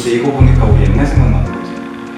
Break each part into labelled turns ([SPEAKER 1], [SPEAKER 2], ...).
[SPEAKER 1] 근데 이거 보니까 우리 옛날 생각나는 거지.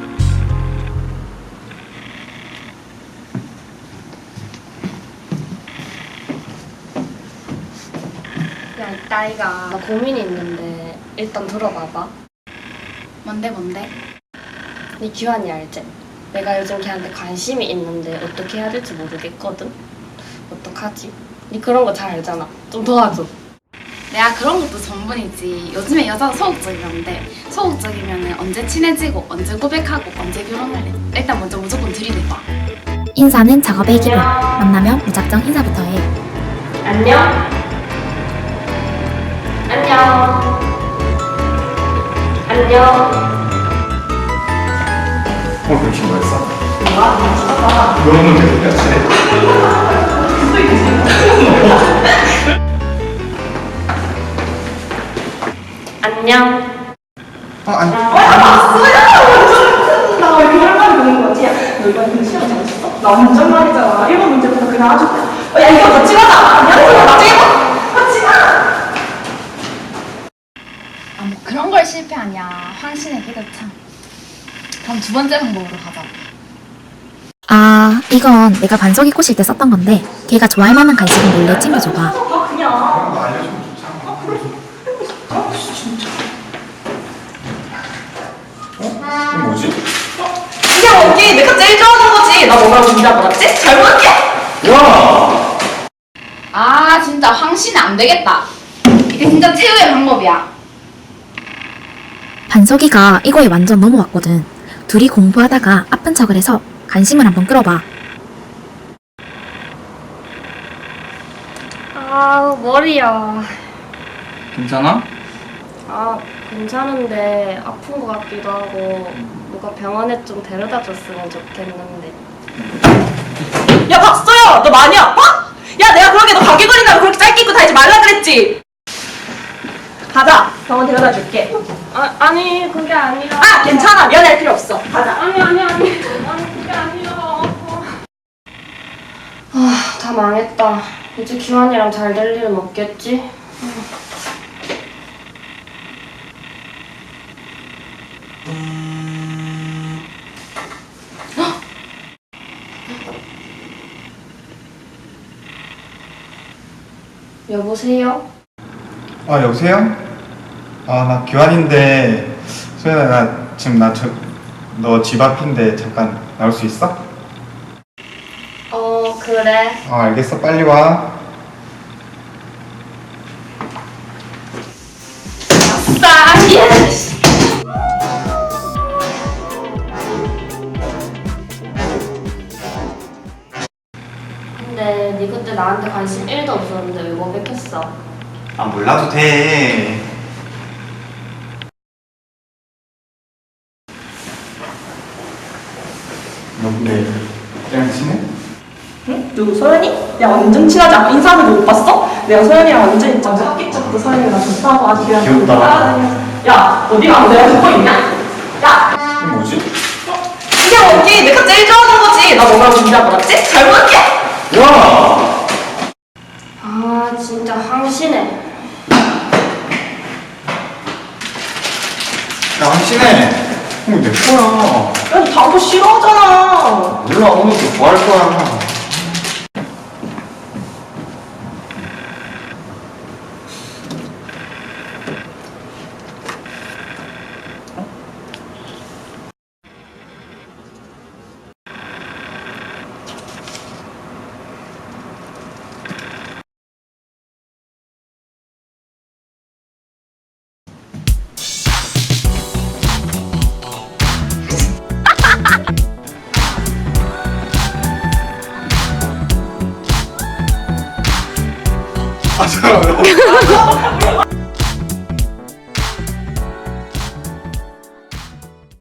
[SPEAKER 2] 야, 이따이가 나 고민이 있는데 일단 들어봐봐.
[SPEAKER 3] 뭔데?
[SPEAKER 2] 네 규환이 알지? 내가 요즘 걔한테 관심이 있는데 어떻게 해야 될지 모르겠거든? 어떡하지? 네 그런 거 잘 알잖아. 좀 도와줘.
[SPEAKER 3] 내가 그런 것도 전문이지. 요즘에 여자가 소극적이란데 소극적이면 언제 친해지고 언제 고백하고 언제 결혼할래? 일단 먼저 무조건 들이대봐.
[SPEAKER 4] 인사는 작업의 기본. 만나면 무작정 인사부터 해.
[SPEAKER 2] 안녕? 안녕? 안녕?
[SPEAKER 1] 오늘 백신 뭐였어?
[SPEAKER 2] 뭐야? 미쳤다.
[SPEAKER 1] 너무 재밌겠지?
[SPEAKER 2] 안녕?
[SPEAKER 1] 아니.
[SPEAKER 5] 나 이렇게 할 말이 되는 거지? 너 이번 시험 잘했어? 나 완전 말이잖아. 1번 문제부터 그냥 아주 야 이거 같이 가자! 안녕하세요 나중에 봐! 같이 가!
[SPEAKER 3] 뭐 그런 걸 실패하냐. 황신의 기도 참. 그럼 두 번째 방법으로 가자.
[SPEAKER 4] 아, 이건 내가 반석이 꼬실 때 썼던 건데 걔가 좋아할 만한 간식은 몰래 챙겨줘봐.
[SPEAKER 5] 아 그냥
[SPEAKER 1] 그런 거 알려주면 좋잖아.
[SPEAKER 5] 아 진짜
[SPEAKER 1] 이거 뭐지?
[SPEAKER 5] 그냥 언니 내가 제일 좋아하는 거지. 나 뭐라고 문제 받았지? 잘 볼게.
[SPEAKER 1] 와!
[SPEAKER 3] 아 진짜 황신은 안 되겠다. 이게 진짜 최후의 방법이야.
[SPEAKER 4] 반석이가 이거에 완전 넘어왔거든. 둘이 공부하다가 아픈 척을 해서 관심을 한번 끌어봐.
[SPEAKER 2] 아, 머리야.
[SPEAKER 1] 괜찮아?
[SPEAKER 2] 아, 괜찮은데 아픈 것 같기도 하고 누가 병원에 좀 데려다 줬으면 좋겠는데.
[SPEAKER 5] 야 박서영 너 많이 아파? 야 내가 그러게 너 감기 걸린다고 그렇게 짧게 입고 다니지 말라 그랬지? 가자 병원 데려다 줄게.
[SPEAKER 2] 아니 그게 아니라.
[SPEAKER 5] 아 괜찮아 미안할 필요 없어. 가자.
[SPEAKER 2] 아니 그게 아니라. 아, 다 망했다. 이제 규환이랑 잘 될 일은 없겠지? 여보세요?
[SPEAKER 1] 아, 여보세요? 아, 나 교환인데, 소연아, 나 지금 너 집 앞인데 잠깐 나올 수 있어?
[SPEAKER 2] 그래.
[SPEAKER 1] 알겠어. 빨리 와.
[SPEAKER 2] 아싸! 예스! 근데 네 그때 나한테 관심 1도 없었는데 왜 고백했어?
[SPEAKER 1] 아, 몰라도 돼. 너 근데 그냥 친해?
[SPEAKER 5] 응? 누구 소연이? 야 완전 친하지 않아? 인사하는 거 못 봤어? 내가 소연이랑 완전 있잖아. 학기 때부터 소연이가 좋다고 아주 그냥
[SPEAKER 1] 귀엽다.
[SPEAKER 5] 따라다니면서. 야 어디가 내가 듣고 있냐? 야
[SPEAKER 1] 이거 뭐지?
[SPEAKER 5] 그냥 언니 내가 제일 좋아하는 거지. 나 뭐라고 문제 받았지? 잘 볼게.
[SPEAKER 1] 와!
[SPEAKER 2] 아 진짜 황신해.
[SPEAKER 1] 야, 한신해. 이거 내 거야.
[SPEAKER 5] 야, 너 당구 싫어하잖아.
[SPEAKER 1] 몰라, 오늘도 뭐 할 거야. 아, 잠깐만.